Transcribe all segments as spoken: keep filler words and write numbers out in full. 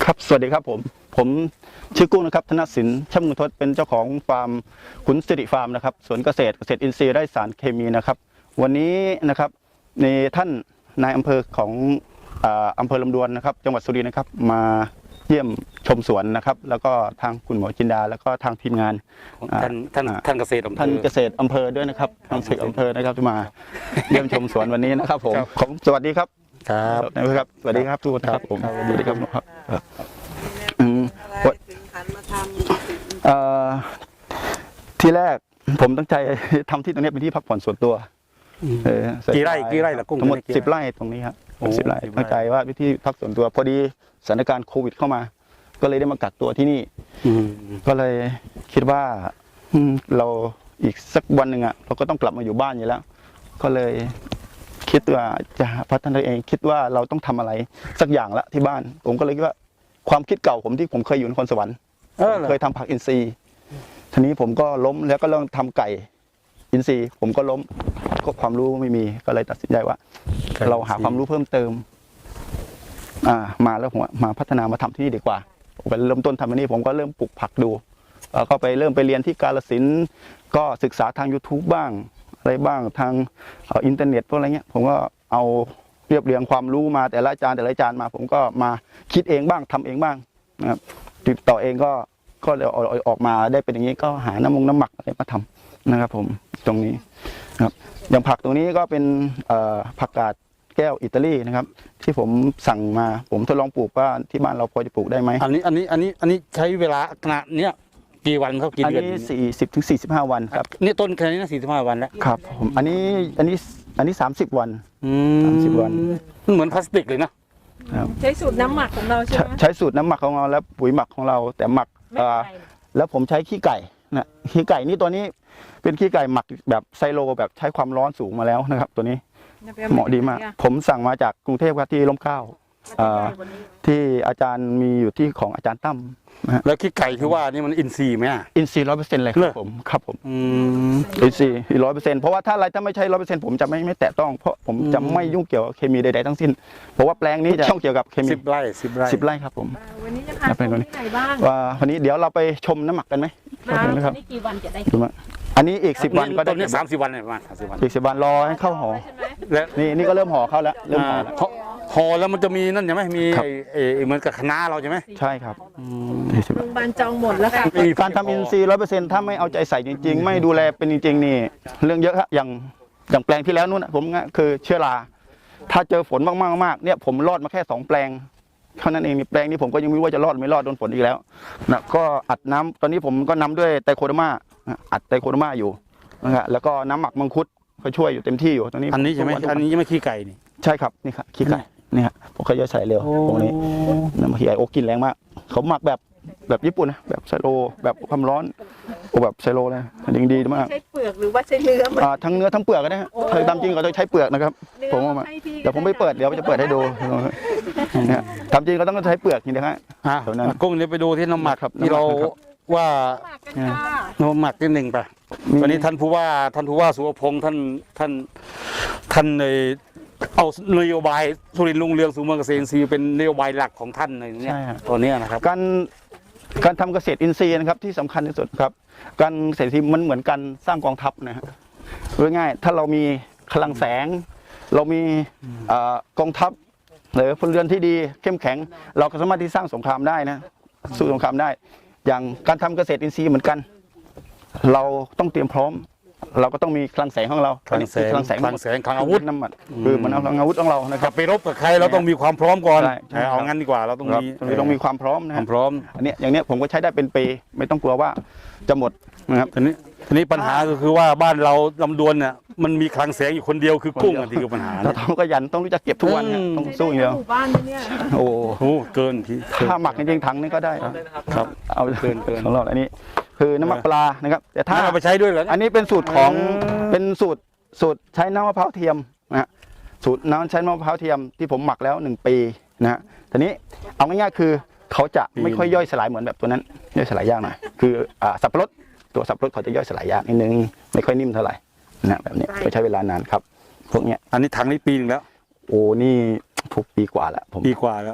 ครับสวัสดีครับผมผมชื่อกุ้งนะครับธนสินช่ำมุทศเป็นเจ้าของฟาร์มขุนสิริฟาร์มนะครับสวนเกษตรเกษตรอินทรีย์ไร้สารเคมีนะครับวันนี้นะครับในท่านนายอำเภอของอำเภอลำดวนนะครับจังหวัดสุรินทร์นะครับมาเยี่ยมชมสวนนะครับแล้วก็ทางคุณหมอจินดาแล้วก็ทางทีมงานท่านท่านท่านเกษตรอำเภอท่านเกษตรอำเภอด้วยนะครับทางเกษตรอำเภอนะครับที่มาเยี่ยมชมสวนวันนี้นะครับผมของสวัสดีครับครับนะครับสวัสดีครับทุกคนครับผมสวัสดีครับครับที่แรกผมตั้งใจทำที่ตรงนี้เป็นที่พักผ่อนส่วนตัวกี่ไร่กี่ไร่ละกุ้งทั้งหมดสิบไร่ตรงนี้ครับสิบไร่ตั้งใจว่าวิธีพักส่วนตัวพอดีสถานการณ์โควิดเข้ามาก็เลยได้มากักตัวที่นี่ก็เลยคิดว่าเราอีกสักวันหนึ่งอ่ะเราก็ต้องกลับมาอยู่บ้านอยู่แล้วก็เลยคิดว่าจะพัฒนาเองคิดว่าเราต้องทำอะไรสักอย่างละที่บ้านผมก็เลยคิดว่าความคิดเก่าผมที่ผมเคยอยู่นครสวรรค์เคยทำผักอินทรีย์ทีนี้ผมก็ล้มแล้วก็เริ่มทำไก่อินทรีย์ผมก็ล้มก็ความรู้ไม่มีก็เลยตัดสินใจว่าเราหาความรู้เพิ่มเติมอ่ามาแล้วผมมาพัฒนามาทำที่นี่ดีกว่าผมก็เริ่มต้นทำที่นี่ผมก็เริ่มปลูกผักดูแล้วก็ไปเริ่มไปเรียนที่กาฬสินธุ์ก็ศึกษาทาง ยูทูบ บ้างอะไรบ้างทางอินเทอร์เน็ตพวกอะไรเงี้ยผมก็เอาเรียบเรียงความรู้มาแต่ละอาจารย์แต่ละอาจารย์มาผมก็มาคิดเองบ้างทำเองบ้างนะครับติดต่อเองก็ก็เลยออกมาได้เป็นอย่างนี้ก็หาน้ำมงน้ำหมักอะไรมาทำนะครับผมตรงนี้นะครับอย่างผักตรงนี้ก็เป็นผักกาดแก้วอิตาลีนะครับที่ผมสั่งมาผมทดลองปลูกว่าที่บ้านเราพอจะปลูกได้ไหมอันนี้อันนี้อันนี้อันนี้ใช้เวลาขนาดเนี้ยกี่วันครับกี่เดือนอันนี้สี่สิบถึงสี่สิบห้าวันครับนี่ต้นแค่นี้นะสี่สิบห้าวันแล้วครับผมอันนี้อันนี้อันนี้สามสิบวันสามสิบวันเหมือนพลาสติกเลยนะใช้สูตรน้ำหมักของเราใช่ไหมใช้สูตรน้ำหมักของเราและปุ๋ยหมักของเราแต่หมักแล้วผมใช้ขี้ไก่นะขี้ไก่นี่ตัวนี้เป็นขี้ไก่หมักแบบไซโลแบบใช้ความร้อนสูงมาแล้วนะครับตัวนี้เหมาะดีมากผมสั่งมาจากกรุงเทพครับที่ร่มเกล้าที่อาจารย์มีอยู่ที่ของอาจารย์ตั้มแล้วขี้ไก่ที่ว่านี่มันอินทรีย์ไหมอินทรีย์ร้อยเปอร์เซ็นต์เลยครับผมครับผมอินทรีย์ร้อยเปอร์เซ็นต์เพราะว่าถ้าอะไรถ้าไม่ใช่ร้อยเปอร์เซ็นต์ผมจะไม่ไม่แตะต้องเพราะผมจะไม่ยุ่งเกี่ยวกับเคมีใดๆทั้งสิ้นเพราะว่าแปลงนี้จะต้องเกี่ยวกับเคมีสิบไร่สิบไร่สิบไร่ครับผมวันนี้จะพาไปที่ไหนบ้างว่าวันนี้เดี๋ยวเราไปชมน้ำหมักกันไหมนะครับนี่กี่วันจะได้อันนี้อีกสิบวันก็ได้ต้นนี้สามสิบวันประมาณสามสิบวันอีกสิบวันรอให้เข้าห่อและนี่นี่ก็เริ่มห่อเข้าแล้วเริ่มห่อแล้วห่อแล้วมันจะมีนั่นใช่ไหมมีเอเหมือนกับคณะเราใช่ไหมใช่ครับโรงพยาบาลจองหมดแล้วค่ะการทำอินทรีย์ร้อยเปอร์เซ็นต์ถ้าไม่เอาใจใส่จริงๆไม่ดูแลเป็นจริงๆนี่เรื่องเยอะครับอย่างอย่างแปลงที่แล้วนู้นผมคือเชื้อราถ้าเจอฝนมากๆมากเนี่ยผมรอดมาแค่สองแปลงเท่านั้นเองแปลงนี้ผมก็ยังไม่รู้ว่าจะรอดไม่รอดโดนฝนอีกแล้วนะก็อัดน้ำตอนนี้ผมก็นำด้วยไตโคเดอร์มาอัดไตโคเดอร์มาอยู่นะฮะแล้วก็น้ำหมักมังคุดก็ช่วยอยู่เต็มที่อยู่ตอนนี้อันนี้ใช่ไหมอันนี้ยังไม่ขี้ไก่นี่ใช่ครับนี่ครับขี้ไก่นี่ฮะผมเคยใส่เร็วตรงนี้น้ำขี้ไก่โอ้กินแรงมากเขาหมักแบบแบบญี่ปุ่นนะแบบไซโลแบบความร้อนโอ้แบบไซโลเลยยิงดีมากใช้เปลือกหรือว่าใช้เนื้ออ่าทั้งเนื้อทั้งเปลือกก็ได้เคยทำจริงก็ต้องใช้เปลือกนะครับผมว่าเดี๋ยวผมไปเปิดเดี๋ยวจะเปิดให้ดูเนี่ยทำจริงก็ต้องใช้เปลือกนี่นะฮะกุ้งเนี่ยไปดูที่น้ำหมักครับที่เราว่าน้ำหมักที่หนึ่งไปวันนี้ท่านผู้ว่าท่านผู้ว่าสุวพงศ์ท่านท่านท่านในเอานโยบายสุรินทร์รุ่งเรืองสู่เมืองเกษตรอินทรีย์เป็นนโยบายหลักของท่านในนี้ตัวนี้นะครับการการทำเกษตรอินทรีย์นะครับที่สำคัญที่สุดครับการเกษตรอินทรีย์มันเหมือนการสร้างกองทัพนะฮะง่ายๆถ้าเรามีพลังแสงเรามีกองทัพหรือพลเรือนที่ดีเข้มแข็งเราก็สามารถที่สร้างสงครามได้นะสู้สงครามได้อย่างการทำเกษตรอินทรีย์เหมือนกันเราต้องเตรียมพร้อมเราก็ต้องมีคลังแสงของเราคลังแสงคลังแสงคลังแสงคลังอาวุธน้ำมันคือมันเอาคลังอาวุธของเรานะครับไปรบกับใครเราต้องมีความพร้อมก่อนเอางั้นดีกว่าเราต้องมีต้องมีความพร้อมนะความพร้อมอันนี้อย่างนี้ผมก็ใช้ได้เป็นปีไม่ต้องกลัวว่าจะหมดนะครับทีนี้ทีนี้ปัญหาก็คือว่าบ้านเราลำดวนเนี่ยมันมีคลังแสงอยู่คนเดียวคือกุ้งที่คือปัญหาเราต้องขยันต้องรู้จักเก็บทุกวันต้องสู้อย่างเดียวบ้านเนี่ยโอ้โหเกินที่ถ้าหมักจริงๆถังนี่ก็ได้ครับเอาเกินเกินของเราอันนี้คือน้ำมันปลานะครับแต่ถ้าเอาไปใช้ด้วยเหรออันนี้เป็นสูตรของเป็นสูตรสูตรใช้น้ำมะพร้าวเทียมนะสูตรน้ำใช้น้ำมะพร้าวเทียมที่ผมหมักแล้วหนึ่งปีนะฮะทีนี้เอาง่ายๆคือเขาจะไม่ค่อยย่อยสลายเหมือนแบบตัวนั้นย่อยสลายยากหน่อยคือสับปะรดตัวสับปะรดเขาจะย่อยสลายยากนิดนึงไม่ค่อยนิ่มเท่าไหร่นะแบบนี้ก็ใช้เวลานานครับพวกเนี้ยอันนี้ถังนี้ปีนึงแล้วโอ้นี่ทุกปีกว่าแล้วผมปีกว่าแล้ว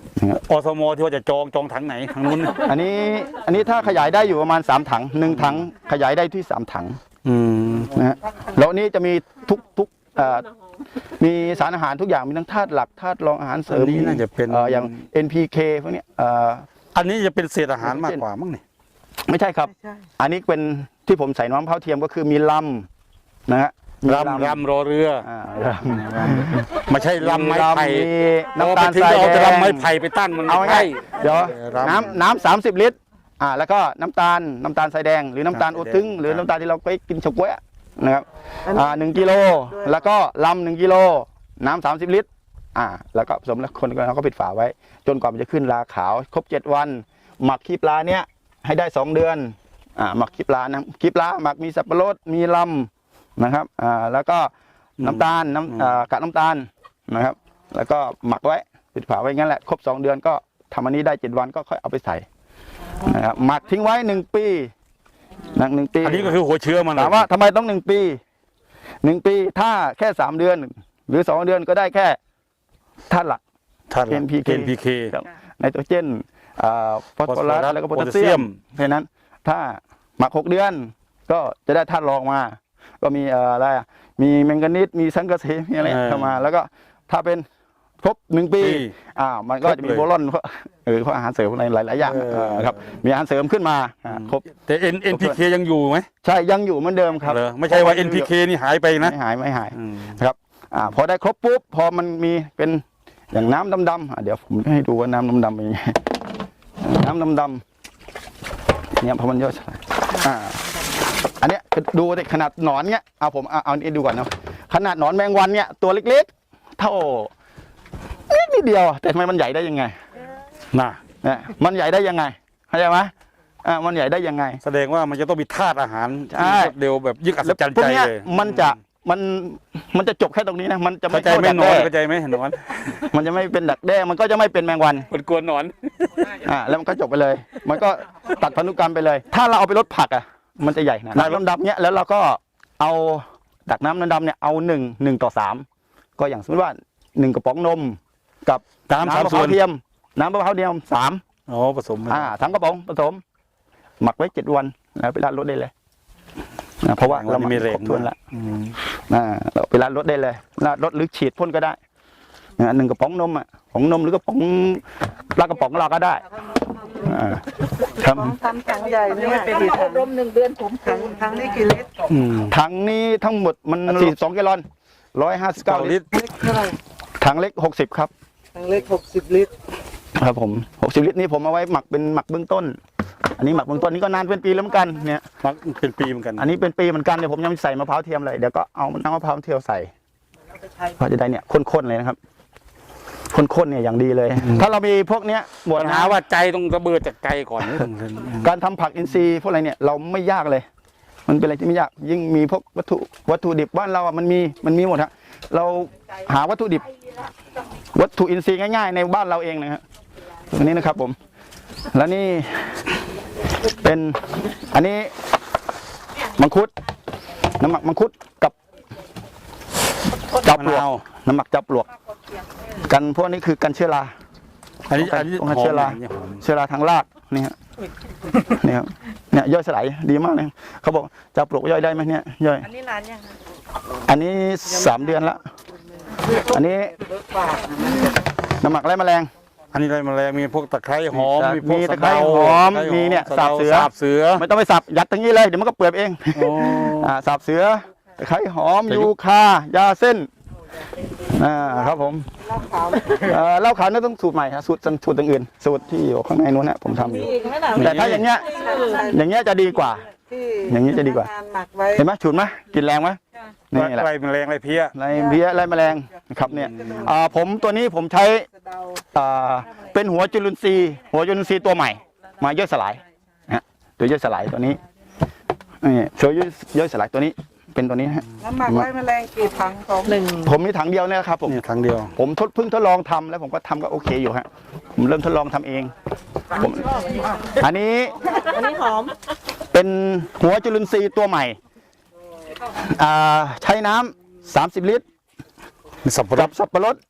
อสมที่ว่าจะจองจองถังไหนทางนู้นอันนี้อันนี้ถ้าขยายได้อยู่ประมาณสามถังหนึ่งถังขยายได้ที่สามถังอืมนะฮะแล้วอันนี้จะมีทุกทุกเอ่อมีสารอาหารทุกอย่างมีทั้งธาตุหลักธาตุรองอาหารเสริมอันนี้น่าจะเป็นเอ่ออย่าง เอ็น พี เค พวกเนี้ยเอ่ออันนี้จะเป็นเศษอาหารมากกว่ามั้งนี่ไม่ใช่ครับ อันนี้เป็นที่ผมใส่น้ำมะพร้าวเทียมก็คือมีลำนะฮะมีรำรำรอเรืออ่าลำไม่ใช่ลำไม้ไผ่มีเราน้ำไปตาลถึงทรายเราแดจะงลำไม้ไผ่ไปตั้งมันเอาไม่ง่าใช่ยเดี๋ยวรำน้ำน้ำสามสิบลิตรอ่าแล้วก็น้ำตาลน้ำตาลทรายแดงหรือน้ำตาลคโอรับทึงหรือน้ำตาลที่เราไปกินเฉาก๊วยอะนะครับอ่าหนึ่งกิโลแล้วก็ลำหนึ่งกิโลน้ำสามสิบลิตรอ่าแล้วก็ผสมแล้วคนเราก็ปิดฝาไว้ จนกว่ามันจะขึ้นราขาวครบเจ็ดวัน หมักขี้ปลาเนี้ยให้ได้สองเดือนอ่าหมักขี้ปลานะขี้ปลาหมักมีสับปะรดมีลำนะครับอ่าแล้วก็น้ำตาลน้ำอ่ากากน้ำตาลนะครับ แล้วก็หมักไว้ปิดฝาไว้งั้นแหละครบสองเดือนก็ทำอันนี้ได้เจ็ดวันก็ค่อยเอาไปใส่นะครับหมักทิ้งไว้หนึ่งปีหนักหนึ่งปีอันนี้ก็คือหัวเชื้อมันถามว่าทำไมต้องหนึ่งปีหนึ่งปีถ้าแค่สามเดือน หรือสองเดือนก็ได้แค่ธาตุหลักท่านเอ็น พี เคเอ็นพีเคครับไนโตรเจนอ่าฟอสฟอรัสฟอสฟอรัสแล้วก็โพโพแทแทสสเซีเซียยมมเพราะฉะนั้นถ้าหมักหกเดือน ก็จะได้ธาตุรองมา ก็มีเอ่ออะไรอ่ะมีแมงกานีสมีซังกะเสมีอะไรเข้ามา แล้วก็ถ้าเป็นครบหนึ่งปีปีอ่ามันก็จะมีโบรอนเพราะเออเพราะอาหารเสริมอะไรหลาย ๆ อย่างเออเออครับมีอาหารเสริมขึ้นมาอ่าครบแต่เอ็นเอ็นพีเคยังอยู่ไหมใช่ยังอยู่เหมือนเดิมครับเหรอไม่ใช่ว่า เอ็น พี เค นี่หายไปนะไม่หายไม่หายอืมครับอ่าพอได้ครบปุ๊บพอมันมีเป็นอย่างน้ำดำๆอ่ะเดี๋ยวผมให้ดูว่าน้ำดำๆเป็นยังไงน้ำดำๆเนี่ยพอมันย่อยสลายอ่าอันเนี้ยดูแต่ขนาดหนอนเนี้ยเอาผมเอาเอาอันนี้ดูก่อนเนาะขนาดหนอนแมงวันเนี้ยตัวเล็กๆเท่านิดนิดเดียวแต่ทำไมมันใหญ่ได้ยังไงน่ะเนี่ยมันใหญ่ได้ยังไงเข้าใจไหมอ่ามันใหญ่ได้ยังไงแสดงว่ามันจะต้องมีธาตุอาหารใช่ที่รวดเร็วแบบยิ่งอัศจรรย์พวใจกเนี้ยเลยมันจะมันมันจะจบแค่ตรงนี้นะมันจะไม่เข้าใจไหมดักหนอนแด้เข้าใจไหมหนอนมันจะไม่เป็นดักแด้มันก็จะไม่เป็นแมงวันมันกวนหนอนอ่าแล้วมันก็จบไปเลย มันก็ตัดพันธุกรรมไปเลย ถ้าเราเอาไปลดผักอ่ะมันจะใหญ่นะดักน้ำดำเนี้ยแล้วเราก็เอาดักน้ำน้ำดำเนี่ยเอาหนึ่งหนึ่งต่อสามก็อย่างสมมติว่าหนึ่งกระป๋องนมกับน้ำสามมะพส่ร้าวนวเทียมน้ำมะพร้าวเทียมสามอ๋อผสมอ่าสามกระป๋องผสม หมักไว้เจ็ดวันแล้วไปราดรถได้เลยอ่าเพราะว่าเราหมักมีแรครง บถ้วนละอืมอ่าเราไปราดรถได้เลยราดรถหรือฉีดพ่นก็ได้อ่าหนึ่งกระป๋องนมอ่ะของนมหรือกระป๋องปลากระป๋องเราก็ได้อ่าครับทำถังใหญ่เนี่ยกี่ถังรมหนึ่งเดือนผมถังถังนี่กี่ลิตรอืมถังนี้ทั้งหมดมันสี่สิบสองแกลลอนร้อยห้าสิบเก้าเก้าลิลิตรตรเล็กเท่าไหร่ถังเล็กหกสิบครับถังเล็กหกสิบลิตรครับผมหกสิบลิตรนี้ผมเอาไว้หมักเป็นหมักเบื้องต้น อันนี้หมักเบื้องต้นนี้ก็นานเป็นปีแล้วเหมือนกันเนี่ยมักเป็นปีเหมือนกันอันนี้เป็นปีเหมือนกันเดี๋ยวผมยังไม่ใส่มะพร้าวเทียมเลยเดี๋ยวก็เอาน้ำมะพร้าวเทียมใส่เพราะจะได้เนี่ยข้นๆเลยนะครับข้นๆเนี่ยอย่างดีเลย ถ้าเรามีพวกเนี้ยหมดปัญนะหาว่าใจต้องระเบิดจากใจก่อนการทำผักอินทรีย์พวกอะไรเนี่ยเราไม่ยากเลย มันเป็นอะไรที่ไม่ยากยิ่งมีพวกวัตถุวัตถุดิบบ้านเราอ่ะมันมีมันมีหมดฮะเราหาวัตถุดิบ วัตถุอินทรีย์ง่ายๆในบ้านเราเองนะฮะตรงนี้นะครับผม แล้วนี่เป็นอันนี้มังคุดน้ำหมักมังคุดกับจับปลวกมะนาวน้ำหมักจับปลวก กันพวกนี้คือกันเชื้อราอันนี้อันนี้ป้องหกันอมเชื้อราอันนี้หอมเชื้อราทางรากนี่ฮะนี่ครับเนี่ยย่อยสลายดีมากเลยเขาบอกจับปลวกย่อยได้ไหมเนี่ยย่อยอันนี้ร้านยังคะอันนี้สามเดือนละอันนี้น้ำหมักไล่แมลงอันนี้อะไรแมลงมีพวกตะไคร้หอมมีพวกตะไคร้หอมสะดามีเนี่ยสะดสาบเสือสาบเสือไม่ต้องไปสับยัดตรงนี้เลยเดี๋ยวมันก็เปื่อยเองโอ้อ่าสับเสือตะไคร้หอมแต่ยูคายาเส้นอ่าครับผมเอ่อเหล้าขาวนี่ต้องสูตรใหม่ครับสูตรสูตรต่างอื่น สูตรที่อยู่ข้างในนู้นนะผมทำอยู่อีกไหมล่ะแต่ถ้าอย่างเงี้ยอย่างเงี้ยจะดีกว่าที่อย่างนี้จะดีกว่าพนังนหมักไว้เห็นไหมฉุนไหมกลินแรงไหมนี่แหละอะไรแมลงอะไรเพี้ยไรเพี้ยไรแมลงนะครับเนี่ยอ่าผมตัวนี้ผมใช้สะเดาอ่าเป็นหัวจุลินทรีย์หัวจุลินทรีย์ตัวใหม่ มาย่อยสลายนะฮะตัวย่อยสลายตัวนี้นี่ตัวย่อยย่อยสลายตัวนี้เป็นตัวนี้นะฮะน้ำหมักไว้แมลงกี่ถังสองหนึ่งผมมีถังเดียวเนี่ยครับผมนี่ครั้งเดียวผมทดเพิ่งทดลองทำแล้วผมก็ทำก็โอเคอยู่ฮะผมเริ่มทดลองทำเองผมอันนี้อันนี้หอมเป็นหัวจุลินทรีย์ตัวใหม่อ่าใช้น้ำสามสิบลิตรมีสับปะรกัดบสับปะรด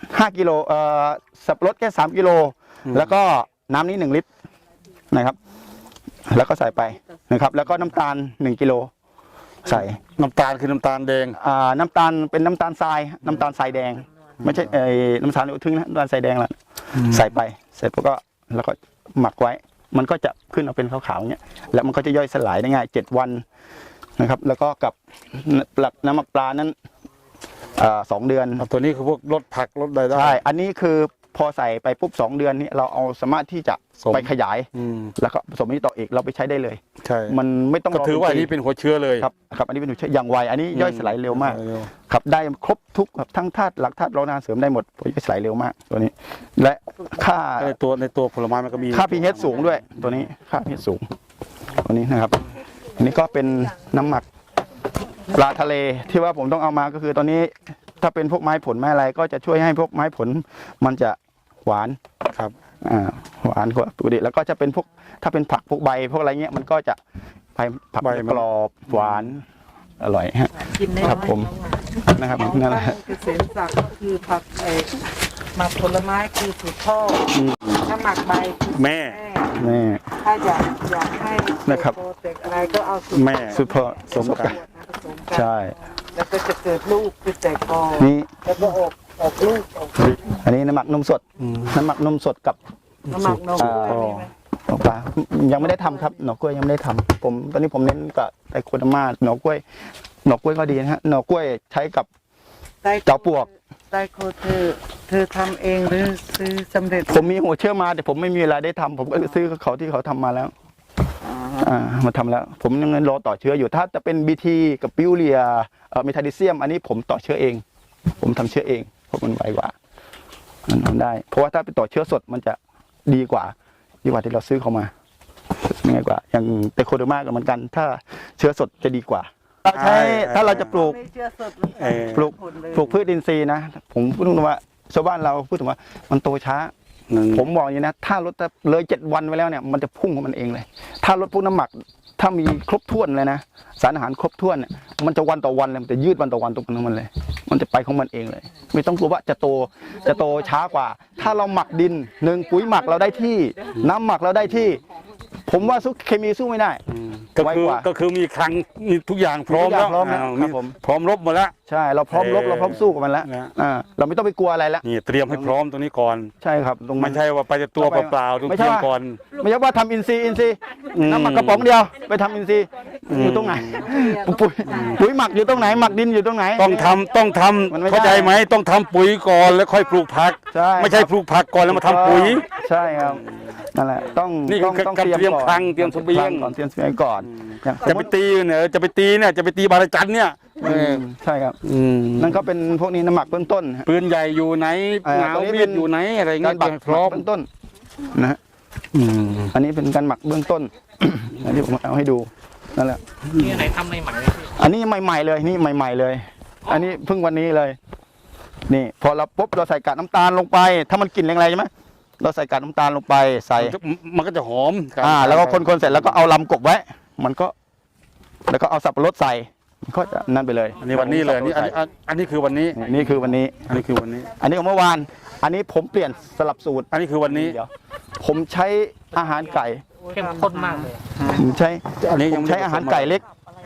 ห้ากิโลเอ่อสับปะรดแค่สามกิโลแล้วก็น้ำนี้หนึ่งลิตรนะครับ แล้วก็ใส่ไปนะครับ แล้วก็น้ำตาลหนึ่งกิโลใส่น้ำตาลคือน้ำตาลแดงอ่าน้ำตาลเป็นน้ำตาลทรายน้ำตาลทรายแดง ไม่ใช่ไอ้น้ำตาลทึ่งนะน้ำตาลทรายแดงละใส่ไปเสร็จแล้วก็แล้วก็หมักไว้ มันก็จะขึ้นมาเป็นขาวๆอย่างเงี้ยแล้วมันก็จะย่อยสลายได้ง่ายเจ็ดวันนะครับ แล้วก็กับปลักน้ำหมักปลานั้นอ่าสองเดือนเอาตัวนี้คือพวกลดผักลดอะไรได้ใช่ อันนี้คือพอใส่ไปปุ๊บสองเดือนนี้เราเอาสามารถที่จะสมไปขยายอืมแล้วก็ผสมนี้ต่ออีกเราไปใช้ได้เลยใช่มันไม่ต้องก็ถือว่าอันนี้เป็นหัวเชื้อเลยครับครับอันนี้เป็นหัวเชื้ออย่างไวอันนี้ย่อยสลายเร็วมากเร็วครับได้ครบทุกครับทั้งธาตุหลักธาตุรองนาเสริมได้หมดย่อยสลายเร็วมากตัวนี้ และค่าในตัวในตัวผลไม้มันก็มีค่า พี เอช สูงด้วยตัวนี้ค่า พี เอช สูงตัวนี้นะครับ อันนี้ก็เป็นน้ำหมักปลาทะเลที่ว่าผมต้องเอามาก็คือตอนนี้ถ้าเป็นพวกไม้ผลไม้อะไรก็จะช่วยให้พวกไม้ผลมันจะหวานครับอ่าหวานกว่าปกติแล้วก็จะเป็นพวกถ้าเป็นผักพวกใบพวกอะไรเงี้ยมันก็จะใบผักใบมันกรอบหวานอร่อยฮะกินได้ครับผมนะครับนั่นแหละเกษมศักดิ์ก็คือผักไอ้หมักผลไม้คือสูตรพ่ออถ้าหมักใบคือแม่แม่นี่ถ้าอยากอยากให้นะครับโปรเตกอะไรก็เอาสูตรแม่สุดพอสมกันผสมกันใช่แล้วก็จะเกิดลูกคือแตกกอนี่แล้วก็ออกออกลูกออกลูกอันนี้น้ำหมักนมสดน้ำหมักนมสดกับน้ำหมักนมอ่าด้วยมีไหมหน่อปลายังไม่ได้ทำครับหน่อกล้วยยังไม่ได้ทำผมตอนนี้ผมเน้นกับไอ้โคดามาหน่อกล้วยหน่อกล้วยก็ดีนะฮะหน่อกล้วยใช้กับไต้เจ้าปวกไต้โคเธอเธอทำเองหรือซื้อสำเร็จผมมีหัวเชื่อมาแต่ผมไม่มีเวลาได้ทำผมก็ซื้อเขาที่เขาทำมาแล้ว อ่ามาทำแล้ว ผมยังรอต่อเชื้ออยู่ถ้าจะเป็นบีทีกับปิวเรียเอ่อเมทาดิเซียม อันนี้ผมต่อเชื้อเอง ผมทำเชื้อเองเพราะมันไวกว่ามันทำได้ เพราะว่าถ้าไปต่อเชื้อสดมันจะดีกว่าดีกว่าที่เราซื้อเขามาง่ายกว่า อย่างเตโคเดอร์มาก็เหมือนกัน ถ้าเชื้อสดจะดีกว่าเราใช้ถ้าเราจะปลูกไม่เชื่อสดมันเออปลูกผลเลยปลูกพืชอินทรีย์นะ ผมพูดตรงๆว่าชาวบ้านเราพูดถึงว่ามันโตช้าหนึ่งผมบอกอย่างนี้นะ ถ้ารถเลยเจ็ดวันไปแล้วเนี่ยมันจะพุ่งของมันเองเลย ถ้ารถพวกน้ำหมักถ้ามีครบถ้วนเลยนะสารอาหารครบถ้วนเนี่ยมันจะวันต่อวันเลยมันจะยืดวันต่อวันตรงนั้นมันเลย มันจะไปของมันเองเลย ไม่ต้องกลัวว่าจะโตจะโตช้ากว่า ถ้าเราหมักดินหนึ่งปุ๋ยหมักเราได้ที่ น้ำหมักเราได้ที่ ผมว่าสู้เคมีสู้ไม่ได้ก็ไวคือกว่าก็คือมีคลังมีทุกอย่างพร้อมมีทุกอย่างแล้วพร้อมแล้วาวครับผมพร้อมรบหมดแล้วใช่เราพร้อมรบเราพร้อมสู้กับมันแล้วนะอ่าเราไม่ต้องไปกลัวอะไรแล้วนี่เตรียมให้พร้อมตรงนี้ก่อนใช่ครับตรงนั้ไม่นใช่ว่าไปแต่ตัวเปล่าๆต้องไม่เตใช่รียมว่าก่อนไม่ใช่ว่าทำอินทรีย์อินทรีย์อืมน้ำหมักกระป๋องเดียวไปทำอินทรีย์อยู่ตรงไหนปุ๋ยปุ๋ยหมักอยู่ตรงไหนหมักดินอยู่ตรงไหนต้องทำต้องทำมันไม่ได้เข้าใจไหมต้องทำปุ๋ยก่อนแล้วค่อยปลูกผักใช่ไม่ใช่ปลูกผักก่อนแล้วมาทำปุ๋ยใช่ครับนั่นแหละต้องนี่คือต้องการเตรียมก่อนคลังเตรียมเสบียงก่อนเตรียมเสบียงก่อนอย่างจะไปตีเนี่ยจะไปตีเนี่ยจะไปตีบาราจันเนี่ยเออือมใช่ครับอืมนั่นก็เป็นพวกนี้น้ำหมักเบื้องต้นฮะปืนใหญ่อยู่ไหนเอ่อเงาตรงนี้มีเป็ดนอยู่ไหนอะไรกาเงี้รยหมักพร้อมเบื้องต้นนะฮะอืมอันนี้เป็นการหมักเบื้องต้น อันที่ผมเอาให้ดูนั่นแหละนี่ไหนทำใหม่ๆเลยพี่อันนี้ใหม่ๆเลยนี่ใหม่ ๆเลย อันนี้เพิ่งวันนี้เลย นี่พอเราปุ๊บเราใส่กากน้ำตาลลงไป ถ้ามันกลิ่นแรงๆใช่ไหมเราใส่กากน้ำตาลลงไปใส่มันจะมันก็จะหอมอ่าแล้วก็คนๆเสร็จแล้วก็เอาลำกบไว้ มันก็ แล้วก็เอาสับปะรดใส่มันก็จะนั่นไปเลยอันนี้วันนี้เลยอันนี้อันนี้อันอันนี้คือวันนี้นี่นี่คือวันนี้อันนี้คือวันนี้อันนี้ของเมื่อวาน อันนี้ผมเปลี่ยนสลับสูตรอันนี้คือวันนี้เดี๋ยวผมใช้อาหารไก่เข้มข้นมากเลยผมใช้อันนี้ผยังมไม่ใช้ได้อาหารไก่เล็ก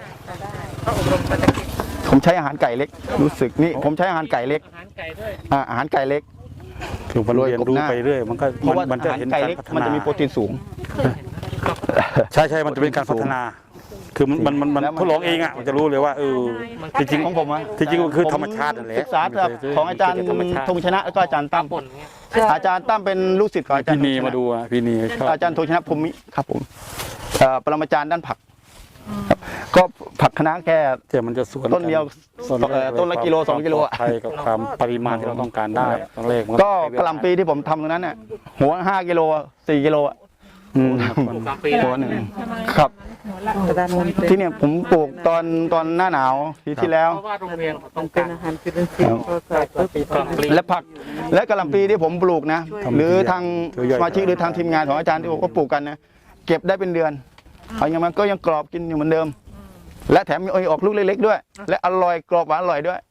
ผมใช้อาหารไก่เล็ก รู้สึกนี่ผมใช้อาหารไก่เล็กอาหารไก่ด้วยอ่าอาหารไก่เล็กคือมันเรียนรู้ไปเรื่อยมันก็เพราะว่ามันอาจะหารเห็นไก่การเล็กพัฒมันนาจะมีโปรตีนสูงใช่ใช่มันจะเป็นการพัฒนา คือมันมันมันมันแล้วมันทดลองเองอ่ะมันจะรู้เลยว่าเออจริงของผมอะจริงๆมันคือธรรมชาตินั่นแหละศึกษาจากของอาจารย์ธรรมชาติธงชนะแล้วก็อาจารย์ตั้มป่นเงี้ยอาจารย์ตั้มเป็นลูกศิษย์ของอาจารพี่ย์นีธงชะมาดูอ่ะพี่นีชอบอาจารย์ธงชนะพรหมิครับผมเอ่อปรมาจารย์ด้านผักครับก็ผักคะน้าแค่แต่มันจะสวนต้นเดียวส่วนเอ่อต้นละกิโลสองกิโลอะไทยกับความปริมาณที่เราต้องการได้ตอนแรกมันก็กะหล่ำปีที่ผมทำตรงนั้นน่ะหัวห้ากิโลสี่กิโลอะอืมปลูกกลางปีหัวหนึ่งครับกระดานมนต์ที่เนี่ยผมปลูกตอนตอนหน้าหนาวปีที่แล้วเพราะว่าโรงเรียนต้องเป็กาน รอาหารจุลินทรีย์พอใส่ปุ๊บกลางปีและผักและกะหล่ำปีที่ผมปลูกนะ หรือทางสมาชิกหรือทางทีมงานของอาจารย์ที่ผมก็ปลูกกันนะเก็บได้เป็นเดือนเอาอย่างมันก็ยังกรอบกินอยู่เหมือนเดิม และแถมมีออกลูกเล็กๆด้วย และอร่อยกรอบหวานอร่อยด้วย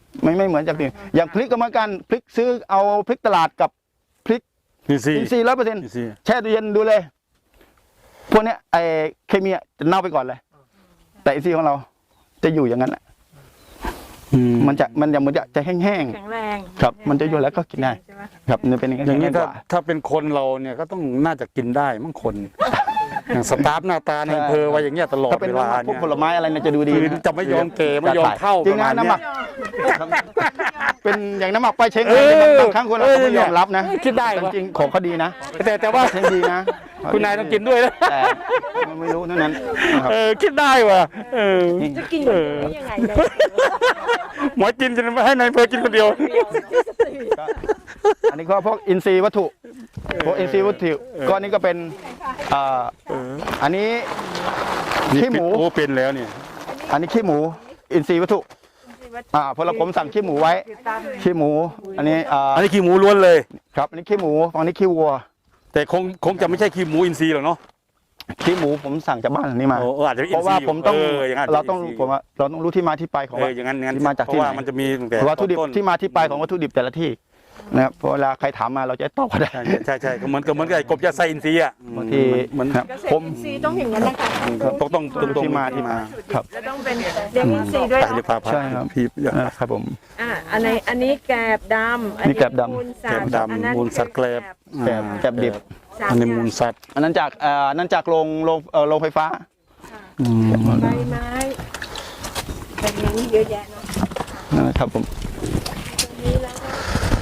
ไม่ไม่เหมือนจากที่อย่างพริกก็เหมือนกันพริกซื้อเอาพริกตลาดกับพริกอินทรีย์อินทรีย์ร้อยเปอร์เซ็นต์อินทรีย์แช่ตู้เย็นดูเลย พวกเนี้ยไอเคมีอะจะเน่าไปก่อนเลย แต่อินทรีย์ของเราจะอยู่อย่างนั้นแหละอืมมันจะมันจะมันจะจะแห้งแข็งแรงๆครับ มันจะอยู่แล้วก็กินได้ใช่ไหมครับมันเป็นอย่างอย่างนี้นี้กถ้าว่าถ้าเป็นคนเราเนี่ยก็ต้องน่าจะกินได้มั้งคน อย่างสตาฟหน้าตาในอำเภอไว้อย่างเงี้ยตลอดถ้าเป็นเวน้ำหลามักพวกเนี่ยผลไม้อะไรเนี่ยจะดูดีคือนะจะไม่ยอมเกไม่ยอมเท่าจริงประนะมาณน้ำหเนี้มัยก เป็นอย่างน้ำหมักไปลายเช็งเออบางครั้งคนเราก็ไม่ยอมรับนะคิดได้แต่วะจริงๆของเขาดีนะแต่แต่ว่าเช็งดีนะคุณนายต้องกินด้วยนะแต่ไม่รู้เท่านั้นนะครับเออคิดได้ว่ะเออจะกินแบบนี้ยังไงเนี่ยหมอกินจะไม่ให้นายอำเภอกินคนเดียวก็อันนี้ก็พวกอินทรีย์วัตถุพวกอินทรีย์วัตถุก็อันนี้ก็เป็นอ่าอันนี้นี่ขี้หมูโอ้เป็นแล้วเนี่ยอันนี้ขี้หมู อินทรีย์วัตถุอ่าพอเราผมสั่งขี้หมูไว้ขี้หมู อันนี้อ่าอันนี้ขี้หมูล้วนเลยครับอันนี้ขี้หมูอันนี้ขี้วัวแต่คงคงจะไม่ใช่ขี้หมูอินทรีย์หรอกเนาะขี้หมูผมสั่งจากบ้านหลังนี้มาโอ้เอออาจจะเป็นเพอินราะทรีว่าย์ผมต้องเอออย่างนั้นเราต้องป็นนทผมว่าเราต้องรู้ที่มาที่ไปของเอว่าออย่างนั้นอย่างนั้นที่มาจากเพที่ราะไหนว่ามันจะมีตั้งแต่วัตถุดิบต้นที่มาที่ไปของวัตถุดิบแต่ละที่นะครับเพราะเวลาใครถามมาเราจะตอบก็ได้ใช่ใช่ใช่ก็เหมือนกับเหมือนกับไอ้กบยาไซอินทรีย์อ่ะบางทีเหมือนครับเกษผตรมอินทรีย์ต้องอย่างนั้นนะคะต้องต้องรู้ที่มาที่มาครับแล้วต้องเป็นเลี้ยงอินทรีย์ด้วยใช่หรือเปล่าใช่ครับพี่พี่เออครับผมอ่าอันไหนอันนี้แกบดำอันี่แกบดำมูลสัแกตบว์ดำมูลสัตว์แกลบแกบแกบดิบสามอันนี้มูลสัตว์อันนั้นจากเอ่ออันนั้นจากโรงโรงเอ่อโรงไฟฟ้าใบไม้เป็นอย่างนี้เยอะแยะเนาะนะครับผมนี่แล้วก็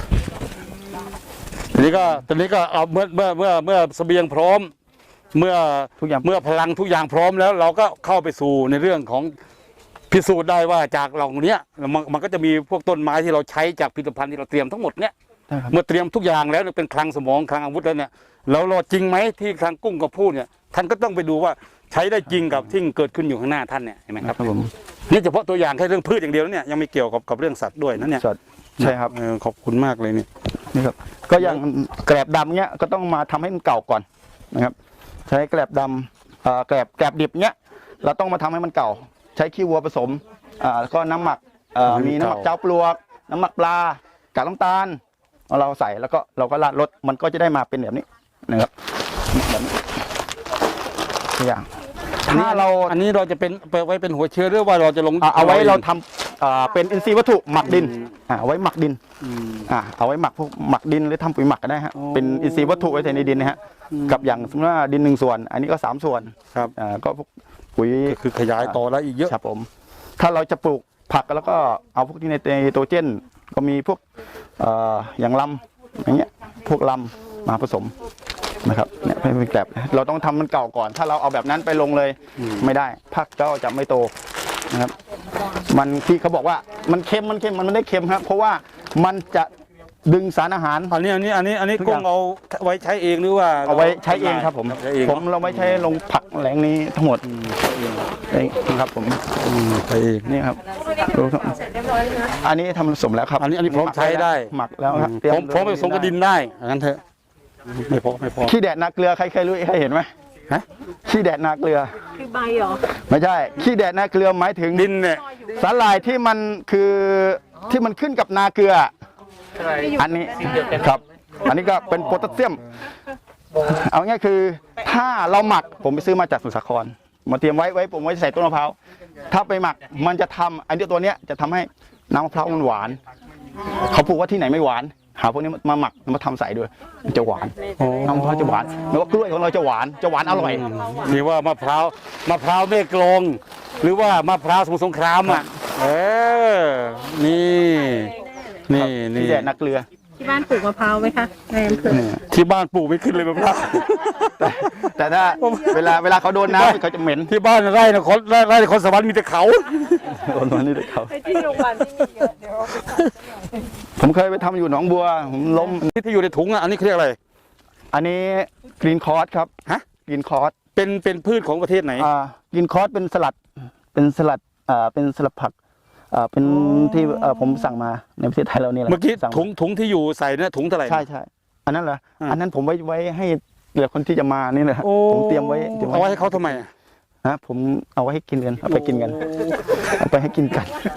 ทีนี้ก็ตอนนี้ก็เอาเมื่อเมื่อเมื่อเมื่อเสบียงพร้อม เมื่อทุกอย่างเมื่อพลังทุกอย่างพร้อมแล้ว เราก็เข้าไปสู่ในเรื่องของพิสูจน์ได้ว่าจากเหล่านี้มันมันก็จะมีพวกต้นไม้ที่เราใช้จากผลิตภัณฑ์ที่เราเตรียมทั้งหมดเนี่ยได้ครับเมื่อเตรียมทุกอย่างแล้วเนี่ยเป็นคลังสมองคลังอาวุธแล้วเนี่ยแล้วเราจริงไหมที่ทางกุ้งกับพูดเนี่ยท่านก็ต้องไปดูว่าใช้ได้จริงกับที่เกิดขึ้นอยู่ข้างหน้าท่านเนี่ยเห็นไหมครับครับผมนี่เฉพาะตัวอย่างแค่เรื่องพืชอย่างเดียวนะเนี่ยยังไม่เกี่ยวกับกับเรื่องสัตว์ด้วยนะเนี่ยสดใช่ครับเออขอบคุณมากเลยเนี่ยนี่ครับก็อย่างแกลบดำเนี้ยก็ต้องมาทำให้มันเก่าก่อนนะครับ ใช้แกลบดำเอ่อแกลบแกลบดิบเนี้ยเราต้องมาทำให้มันเก่า ใช้ขี้วัวผสมอ่าแล้วก็น้ำหมักเอ่อมีน้ำหมักเจ้าปลวก น้ำหมักปลากากน้ำตาลเอาเราใส่แล้วก็เราก็ราดรสมันก็จะได้มาเป็นแบบนี้นะครับแบบนี้ตัวอย่างถ้าเราอันนี้เราจะเป็นไปไว้เป็นหัวเชื้อหรือว่าเราจะลงอ่าเอาไว้เราทำอ่าเป็นอินทรีย์วัตถุหมักดินอ่าเอาไว้หมักดินอืมอ่าเอาไว้หมักพวกหมักดินหรือทำปุ๋ยหมักก็ได้ฮะอ๋อเป็นอินทรีย์วัตถุไว้ใส่ในดินนะฮะกับอย่างสมมติว่าดินหนึ่งส่วน อันนี้ก็สามส่วนครับอ่าก็พวกปุ๋ยก็คือขยายต่อแล้วอีกเยอะครับผม ถ้าเราจะปลูกผักแล้วก็เอาพวกที่ในไนโตรเจนก็มีพวกเอ่ออย่างลำอย่างเงี้ยพวกลำมาผสมนะครับเนี่ยเป็นแบบเราต้องทำมันเก่าก่อน ถ้าเราเอาแบบนั้นไปลงเลยอืมไม่ได้ผักก็จะไม่โตนะครับ มันที่เขาบอกว่ามันเค็มมันเค็มมันไม่ได้เค็มครับ เพราะว่ามันจะดึงสารอาหารอันนี้อันนี้อันนี้อันนี้ทุกอกุ้ย่าง งเอาไว้ใช้เองหรือว่าเอาไว้ใช้เองครับผมใช้เองผมเราไม่ใช้ลงผักแหล่งนี้ทั้งหมดเองครับผมอืมใช้เองนี่ครับเสร็จเรียบร้อยแล้วนะอันนี้ทำผสมแล้วครับอันนี้อันนี้พร้อมใช้ได้หมักแล้วครับพร้อมพร้อมไปผสมกับดินได้งั้นเถอะไม่พอไม่พอขี้แดดนาเกลือใครเคยรู้ใครเห็นไหมฮะขี้แดดนาเกลือคือใบเหรอไม่ใช่ขี้แดดนาเกลือหมายถึงดินเนี่ยสาหร่ายที่มันคือที่มันขึ้นกับนาเกลือ อันนี้ครับ อันนี้ก็เป็นโพแทสเซียม เอาง่ายคือถ้าเราหมักผมไปซื้อมาจากสมุทรสาครมาเตรียมไว้ไว้ผมไว้ใส่ต้นมะพร้าวถ้าไปหมักมันจะทำอันนี้ตัวเนี้ยจะทำให้น้ำมะพร้าวมันหวาน เขาพูดว่าที่ไหนไม่หวาน หาพวกนี้มาหมักมาทำใส่ด้วยมันจะหวานน้ำมะพร้าวจะหวานไม่ว่ากล้วยของเราจะหวานจะหวานอร่อยนี่ว่ามะพร้าวมะพร้าวแม่กลองหรือว่ามะพร้าวสมุทรสงครามอ่ะเออนี่นี่นี่ขี้แดดนาเกลือที่บ้านปลูกมะพร้าวไหมคะในอำเภอที่บ้านปลูกไม่ขึ้นเลยมะพร้าวแต่แต่ถ้าเวลาเวลาเขาโดนน้ำเขาจะเหม็นที่บ้านไร่นครไร่ไร่นครสวรรค์มีแต่เขาโดนมันนี่เลยเขาไอ้ที่โรงพยาบาลที่มีเยอะเดี๋ยวเอาไปขายผมเคยไปทำอยู่หนองบัวผมล้มที่ที่อยู่ในถุงอ่ะอันนี้เขาเรียกอะไรอันนี้กรีนคอร์สครับฮะกรีนคอร์สเป็นเป็นพืชของประเทศไหนอ่ากรีนคอร์สเป็นสลัดเป็นสลัดอ่าเป็นสลัดผักอ่าเป็นที่เอ่อผมสั่งมาในประเทศไทยเรานี่แหละเมื่อกี้สั่าถุงถุงที่อยู่ใส่เนี่ยถุงเท่าไหร่ใช่ใช่อันนั้นเหรออ่าอันนั้นผมไว้ไว้ให้เหลือคนที่จะมานี่แหละโอ้ผมเตรียมไว้เตรียมเอาไว้ให้เขาทำไมอะนะผมเอาไว้ให้กินกันเอาไปกินกันเอาไปให้กินกัน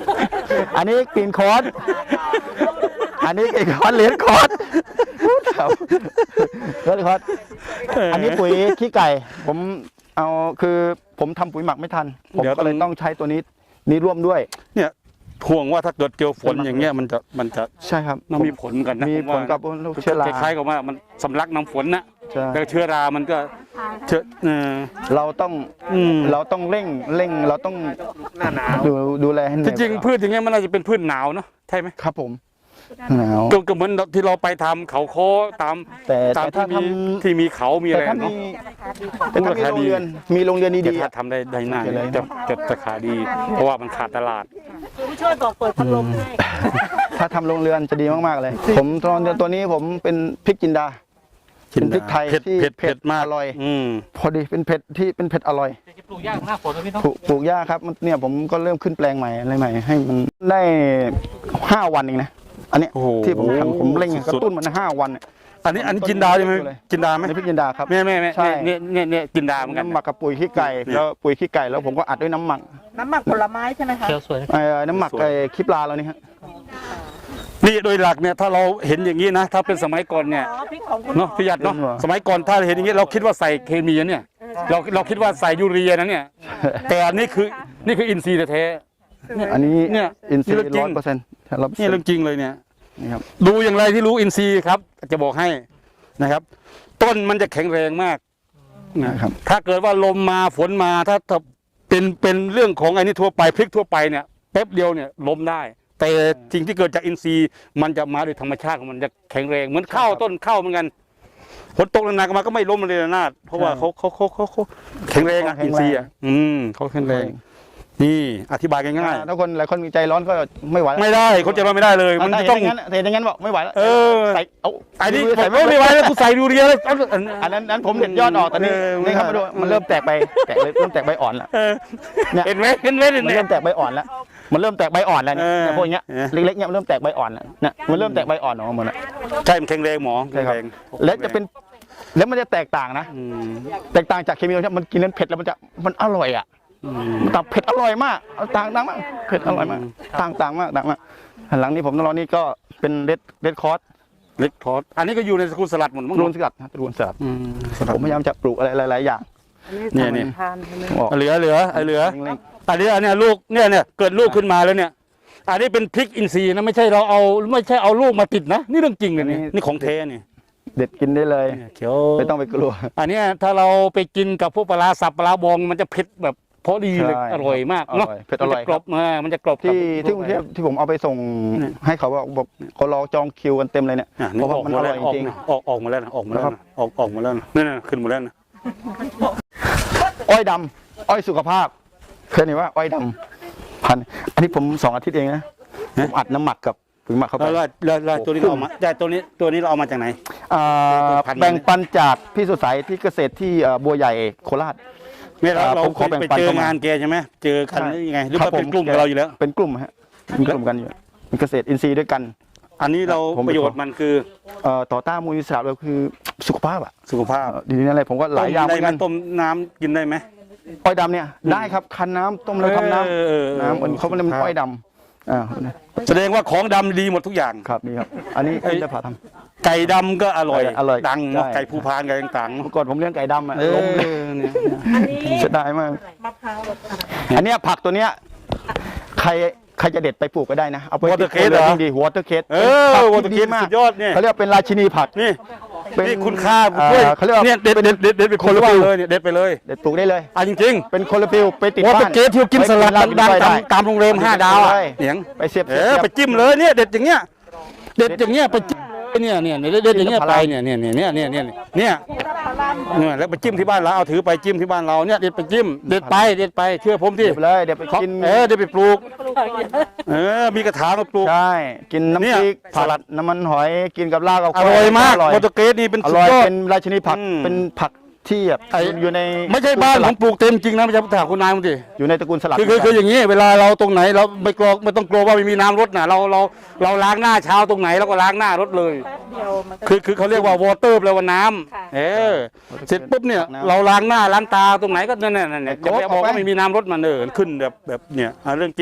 อันนี้กรีนคอร์สอันนี้กรีนคอร์สเหรียญคอร์สครับเหรียญคอร์สอันนี้ปุ๋ยขี้ไก่ ผมเอาคือผมทำปุ๋ยหมักไม่ทันผมก็เลยต้องใช้ตัวนี้นี้ร่วมด้วยเนี่ยห่วงว่าถ้าเกิดเจอฝนอย่างเงี้ยมันจะมันจะใช่ครับมันมีผลกันนะมีผลกับเชื้อราคล้ายๆกับว่ามันสำลักน้ำฝนนะใช่แล้วเชื้อรามันก็เชื้อเออเราต้องอืมเราต้องเร่งเร่งเราต้องหน้าหนาวดูดูแลให้หน่จอยริงๆพืชอย่างเงี้ยมันน่าจะเป็นพืชหนาวเนาะใช่ไหมครับผมหนาวก็ก็เหมือนที่เราไปทำเขาโคตามแต่ตามแต่ถ้าที่มีทำที่มีเขามีอะแต่ไรถ้ามีเนาะแต่ถ้ามีโรงเรียนมีโรงเรียนแต่ดีๆถ้าอะทำได้ได้หน้าโอเคเลยจะจะจะขายดี เพราะว่ามันขาดตลาดผู้ช่วยบอกเปิดพัดลมให้ถ้าทำโรงเรือนจะดีมากๆเลย ผมตอนตัวนี้ผมเป็นพริกจินดา เป็นพริกไทยเผ็ดที่เผ็ดเผ็เผ็ดดมากอร่อยอืมพอดีเป็นเผ็ดที่เป็นเผ็ดอร่อยจะปลูกยากหน้าฝนนะพี่เน้องปลูกปลูกหญ้าครับมันเนี่ยผมก็เริ่มขึ้นแปลงใหม่อะไรใหม่ ให้มันได้ห้าวันเองนะอันเนี้ยโอ้โหที่ผมทำผมเร่งกสุดๆระตุ้นมันห้าวันเนี่ยอันนี้อันนี้จินดาใช่ไหมจินดาไหมในพริกจินดาครับแม่แม่แม่ใช่เนี่ยเนี่ยเนี่ยจินดาเหมือนกันน้ำหมักกับปุ๋ยขี้ไก่แล้วปุ๋ยขี้ไก่แล้วผมก็อัดด้วยน้ำหมักน้ำหมักผลไม้ใช่ไหมคะเขียวสวยนะเอ่อน้ำหมักไอ้คลิปลาเรานี่ฮะนี่โดยหลักเนี่ยถ้าเราเห็นอย่างนี้นะถ้าเป็นสมัยก่อนเนี่ยอ๋อพริกของคุณเนาะพี่หยัดเนาะสมัยก่อนถ้าเห็นอย่างนี้เราคิดว่าใส่เคมีนะเนี่ยเราเราคิดว่าใส่ยูเรียนะเนี่ยแต่อันนี้คือนี่คืออินทรีย์แท้อันนี้เนี่ยอินซีนี่เรื่องจริร้อง ยเปอร์เซ็นต์ๆนี่เรื่องจริงเลยเนี่ยนี่ครับดูอย่างไรที่รู้อินทรีย์ครับ จะบอกให้นะครับ ต้นมันจะแข็งแรงมากนะนะครับถ้าเกิดว่าลมมาฝนมาถ้าถ้าเป็นเป็นเรื่องของไอ้นี่ทั่วไปพลิกทั่วไปเนี่ยแป๊บเดียวเนี่ยล้มได้ แต่สิ่งที่เกิดจากอินทรีย์มันจะมาโดยธรรมชาติของมันจะแข็งแรงเหมือนข้าวต้นข้าวเหมือนกันฝนตกนานๆมาก็ไม่ล้มเลยนะนาดเพราะว่าเขาเขาเขาเขาเขาแข็งแรงอ่ะอินทรีย์อ่ะอืมเขาแข็งแรง นี่อธิบายง่ายถ้าคนหลายคนใจร้อนก็ไม่ไหวๆไม่ได้เขาจะรอไม่ได้เลย มันถ้าจะเห็นต้องอย่างนั้นเห็นอย่างนั้นบอกไม่ไหวแล้วเออใส่เอาไอ้นี่ใส่ไม่ไม่ไหวแล้วกูใส่ดูเรียเลยเอาอันอันนั้นนั้นผมเด็ดยอดออกตอนนี้เออนี่ครับมาดูมันเริ่มแตกใบแตกเลยเริ่มแตกใบอ่อนแล้วเออเนี่ยเห็นไหมเห็นไหมเห็นมันไหมเริ่มแตกใบอ่อนแล้วมันเริ่มแตกใบอ่อนแล้วเนี่ยเออเนี่ยพวกเนี้ยเออเล็กๆเนี่ยมันเริ่มแตกใบอ่อนแล้วเนี่ยมันเริ่มแตกใบอ่อนออกมาหมดแล้วใช่มันแข็งแรงหมอใช่ครับแข็งแงแล้วจะเป็นแล้วมันจะแตกต่างนะอืมแตกต่างจากเคมีเนี่ยมันกินนั้นเผ็ดแล้วมันจะมันอร่อยอ่ะอืมมันต่างเผ็ดอร่อยมากเอาต่างต่างมากเผ็ดอร่อยมากต่างต่างมากต่างมากหลังนี้ผมต้องรอนี่ก็เป็นเรดเรดคอร์สเล็กทอดอันนี้ก็อยู่ในสกุลสลัดหมดมั้งรูนสลัดนะรูนสลัดอืมผมพยายามจะปลูกอะไรหลายๆอย่างเนี่ยเนี่ยทานใช่ไหมออกเหลือเหลือไอ้เหลือเร่งอันนี้อันเนี้ยลูกเนี่ยเนี่ยเกิดลูกขึ้นมาแล้วเนี่ย อันนี้เป็นพริกอินทรีย์นะไม่ใช่เราเอาไม่ใช่เอาลูกมาติดนะนี่เรื่องจริงเลยนี่นี่ของแท้นี่ๆเด็ดกินได้เลยเนี่ยเขียวไม่ต้องไปกลัวอันเนี้ยถ้าเราไปกินกับพวกปลาร้าสับปลาร้าบองมันจะเผ็ดแบบพอดีเลยใช่อร่อยมากเนาะอร่อยเผ็ดอร่อยมันจะกรอบมามันจะกรอบที่บที่กรุงเทพที่ผมเอาไปส่งเนี่ยให้เขาบอกบอกเขารอจองคิวกันเต็มเลยเนี่ยอ่ะเพนี่ราะว่าออกมันมาอแล้ร่วอยออกจริงนะออกออกมาแล้วนะออกมาแล้วนะครับนะออกออกมาแล้วนะนี่นๆขึ้นมาแล้วนะอ้อยดำอ้อยสุขภาพเคยเห็นว่าอ้อยดำพันธุ์อันนี้ผมสองอาทิตย์เองนะผมอัดน้ำหมักกับปุ๋ยหมักเข้าไปแล้วแล้วแล้วแล้วตัวนี้เราเอามาได้ตัวนี้ตัวนี้เราเอามาจากไหนอ่าพันธุ์แบ่งปันจากพี่สุดใสที่เกษตรที่เอ่อบัวใหญ่โคราชไม่เราอ่าเราผมขอแบ่งไปปันเจอเข้ามางานแกใช่ไหมเจอกันใช่หรือยังไงหรือครัว่าบเป็นผมกลุ่มกับเราอยู่แล้วเป็นกลุ่มฮะเป็นกลุ่มกันอยู่เป็นเกษตรอินทรีย์ด้วยกันอันนี้เราผมประโยชน์มันคือเอ่อต่อต้านมูลนิธิเราคือสุขภาพอ่ะสุขภาพเอ่อดีนี่อะไรผมก็หลายอย่างเหได้มือนไหมกันต้มน้ำกินได้ไหมอ้อยดำเนี่ยได้ครับคั้นน้ำต้มแล้วทำน้เออเออเออำน้ำมันเขาเรียกมันอ้อยดำอ่าแสดงว่าของดำดีหมดทุกอย่างครับนี่ครับ อันนี้เอ้ยได้ผ่าทไก่ดำก็อร่อยอร่อยดังเนาะใช่ไก่ภูพานไก่ต่างำเมื่อก่อนผมเลี้ยงไก่ดำอ่ะๆเอล้มเลยอเนี่ยอันนี้เสียดายมากมะพร้าวแบบอะไรอันเนี้ยผักตัวเนี้ยใครใครจะเด็ดไปปลูกก็ได้นะเอาไปวอเตอร์เคสเหรอดีวอเตอร์เคสเออวอเตอร์เคสสุดยอดเนี่ยเขาเรียกว่าเป็นราชินีผักนี่เป็นนี่คุณค่าอ่าด้วยเขาเรียกว่าเนี่ยเด็ดเด็ดเด็ดเด็ดไปคนละเลยเนี่ยเด็ดไปเลยเด็ดปลูกได้เลยอ่ะจริงเป็นคนละฟิวไปติดๆวอบ้าเตอน ร์เคสที่กินสลัดดังๆตามตามโรงแรมห้าดาวอ่ะเหนียงไปเสียบเอเสียบอเสียบไปจิ้มเลยเนี่ยเด็ดอย่างเงี้ยเด็ดอย่างเงี้ยไปจิ้มเลยเนี่ยเนี่ยเนี่ยเด็ดอย่างเงี้ยไปเนี่ยเนี่ยเนี่ยเนี่ยเนี่ยเนี่ยเนี่ยแล้วไปจิ้มที่บ้านเราเอาถือไปจิ้มที่บ้านเราเนี่ยเด็ดไปจิ้มเด็ดไปเด็ดไปเชื่อผมที่เด็ดไปเลยเดี๋ยวไปกินเออเด็ดไปปลูกเออมีกระถางมาปลูกใช่กินเนี่ยน้ำพริกผักสลัดน้ำมันหอยกินกับลาบกับอร่อยมากอร่อยวอเตอร์เกสนี่เป็นอสุดร่อยยอดเป็นราชินีผักอืมเป็นผักที่แบบไอ้อยู่ในไม่ใช่บ้านผมปลูกเต็มจริงนะไม่ใช่ถามคุณนายมึงดิอยู่ในตระกูลสลัดคือคือคืออย่างนี้เวลาเราตรงไหนเราไม่กลัวไม่ต้องกลัวว่าไม่มีน้ำรดนะเราเราเราล้างหน้าเช้าตรงไหนเราก็ล้างหน้ารถเลยแป๊บเดียวมันก็คือคือเขาเรียกว่าวอเตอร์แปลว่าน้ค่ะำเออเสร็จปุ๊บเนี่ยเราล้างหน้าล้างตาตรงไหนก็นั่นนั่นนั่นเนี่ยจะไปบอกว่าไม่มีน้ำรดมันเออขึ้นแบบแบบเนี่ยอ่ะเรื่องจริง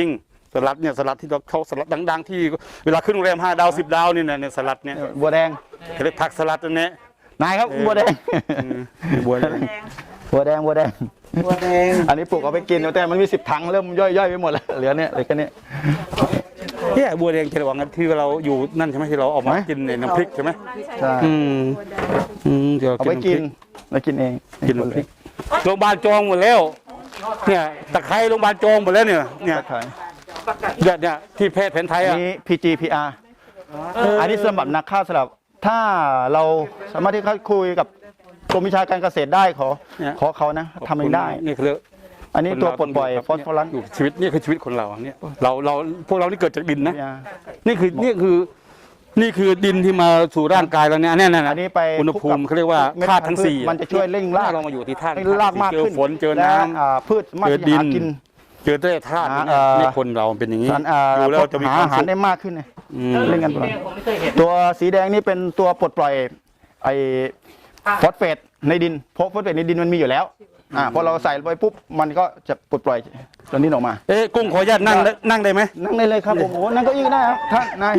สลัดเนี่ยสลัดที่เราเขาสลัดดังๆที่เวลาขึ้นโรงแรมห้าดาวสิบดาวนี่นะเนี่ยสลัดเนี่ยบัวแดงเขาเรียกผักสลัดอันเนี้ยนายครับบัวแดงอืมบัวแดงบัวแดงบัวแดงบัวแดงอันนี้ปลูกเอาไปกินแต่มันมีสิบถังเริ่มย่อยๆไปหมดแล้วเหลือเนี่ยเหลือแค่นี้เนี่ยบัวแดงเฉลิมวังที่เราอยู่นั่นใช่ไหมที่เราเออกมาไหมกินในน้ำพริกใช่ไหมใช่อืมอืมเดี๋ยวเอาไปกินแล้วกินเองกินน้ำพริกโรงพยาบาลจองหมดแล้วเนี่ยตะไคร้โรงพยาบาลจองหมดแล้วเนี่ยเนี่ยขายเนี่ยเนี่ยที่แพทย์แผนไทยอัอ่ะนนี้ พี จี พี อาร์ อันนี้สำหรับนักฆ่าสลับถ้าเราสามารถที่เขาคุยกับกรมวิชาการเกษตรได้ขอขอเขานะทำเองได้นี่คืออันนี้ตัวปลดปล่อยฟอสฟอรัสอยู่ชีวิตนี่คือชีวิตคนเราเนี่ยเราเราพวกเรานี่เกิดจากดินนะเนี่ยนี่คือนี่คือนี่คือดินที่มาสู่ร่างกายเราเนี่ยเนี่ยนะอันนี้ไปอุณหภูมิเขาเรียกว่าเม็ดธาตุทั้งสี่มันจะช่วยเร่งรากเรามาอยู่ที่ธาตุให้รากมากเจอขึ้นฝนเจอและน้อ่าพืชสามารถเจอที่ดิจะนหากินำเจอแร่ธาตุหาเนี่ยเอ่อนี่คนเราเป็นอย่างนี้สารอ่าดูแล้วจะมีหาความอาหารสุขได้มากขึ้นเนี่ยอืมเล่นกันตลอดผมไม่เคยเห็นตัวสีแดงนี่เป็นตัวปลดปล่อยไอ้ฟอสเฟตในดินเพราะฟอสเฟตในดินมันมีอยู่แล้วอ่าพอเราใส่ไปปุ๊บมันก็จะปลดปล่อยตัวนี้ออกมาเอ๊ะกุ้งขออนุญาตนั่งได้นั่งได้ไหมนั่งได้เลยครับผมโอ้โหนั่งเก็ยิ่งได้ครับท่านนาย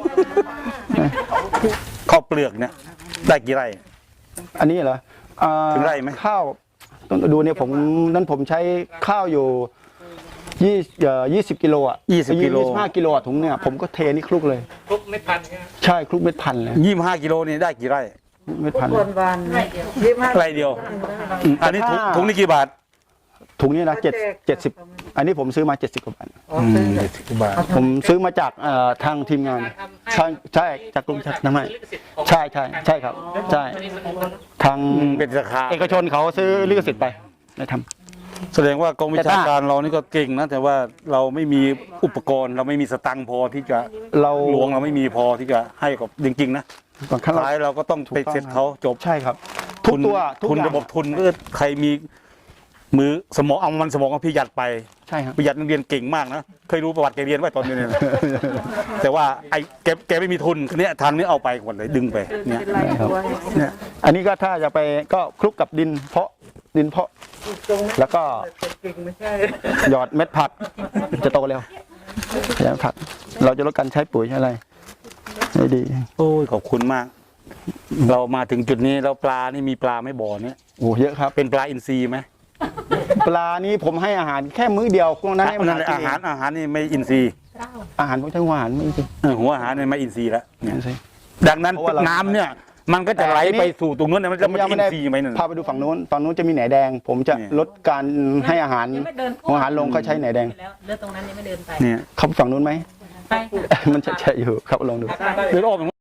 ข้าวเปลือกเนี่ยได้กี่ไร่อันนี้เหรออ่าถึงไร่ไหมข้าวต้องดูเนี่ยผมนั้นผมใช้ข้าวอยู่ยี่เอ่อยี่สิบกิโลอ่ะยี่สิบกิโลยี่สิบห้ากิโลอ่ะถุงเนี่ยผมก็เทนี่คลุกเลยทุกไม่พันใช่ไหมใช่คลุกเม็ดพันธุ์เลยยี่สิบห้ากิโลนี่ได้กี่ไร่เม็ดพันธุ์วันวันยี่สิบห้าไร่เดียวอืมอันนี้ถุงถุงนี่กี่บาทถุงนี้นะเจ็ดเจ็ดสิบอันนี้ผมซื้อมาเจ็ดสิบกว่าบาทอ๋อซื้อเจ็ดสิบบาทผมซื้อมาจากเอ่อทางทีมงานใช่ใช่จากกรุงเทพทำไมใช่ใช่ใช่ครับใช่ทางอืมเป็นราคาเอกชนเขาซื้อลิขสิทธิ์ไปได้ทำแสดงว่ากองวิชาการเรานี่ก็เก่งนะแต่ว่าเราไม่มีอุปกรณ์ เราไม่มีสตังค์พอที่จะเราหลวงเราไม่มีพอที่จะให้กับจริงๆนะก่อนขั้นเราท้ายเราก็ต้องไปเซ็ตเขาจบใช่ครับ ทุกตัวทุกทุนอย่างระบบทุนก็ใครมีมือสมองเอามันสมองของพี่หยัดไปใช่ครับพี่หยัดนักเรียนเก่งมากนะเคยรู้ประวัติแกเรียนไว้ตอนนี้เนี่ย นะแต่ว่าไอ้แกแกไม่มีทุนเนี่ยทางนี้เอาไปหมดเลยดึงไปเนี่ยเป็นไรตัวเนี่ยอันนี้ก็ถ้าจะไปก็คลุกกับดินเพาะดินเพาะ แล้วก็เก่งไม่ใช่หยอดเม็ดผักจะโตเร็วใช้ผัก เราจะลดการใช้ปุ๋ยใช้อะไรไม่ดีโอ้ยขอบคุณมาก เรามาถึงจุดนี้แล้วปลานี่มีปลาไม่บ่อเนี่ยโอ้เยอะครับเป็นปลาอินทรีย์ไหมปลานี้ผมให้อาหารแค่มื้อเดียวพวกนั้นให้มันนั่นแหละกิอาน หารอาหารนี่ไม่อินทรีย์อาหารพวกทั้งอาหารไม่จริงเออหัวอาหารเนี่ยไม่อินทรีย์แล้วเนี่ยไม่ใช่ดังนั้นเพราะว่าเราน้ำเนี่ย มันก็จะไหลไปสู่ตรงนู้นนะมันผจะมมันยังอิไม่นได้ทรีย์ไหมนั่นพาไปดูฝั่งนู้นตอนนู้นจะมีแหนแดง ผมจะเนี่ยลดการให้อาหารหัวอาหารลงเขาใช้แหนแดงแล้วเลือดตรงนั้นยังไม่เดินไปเนี่ยเขาฝั่งนู้นไหมไปมันจะใช่อยู่ครับลองดูเดินออก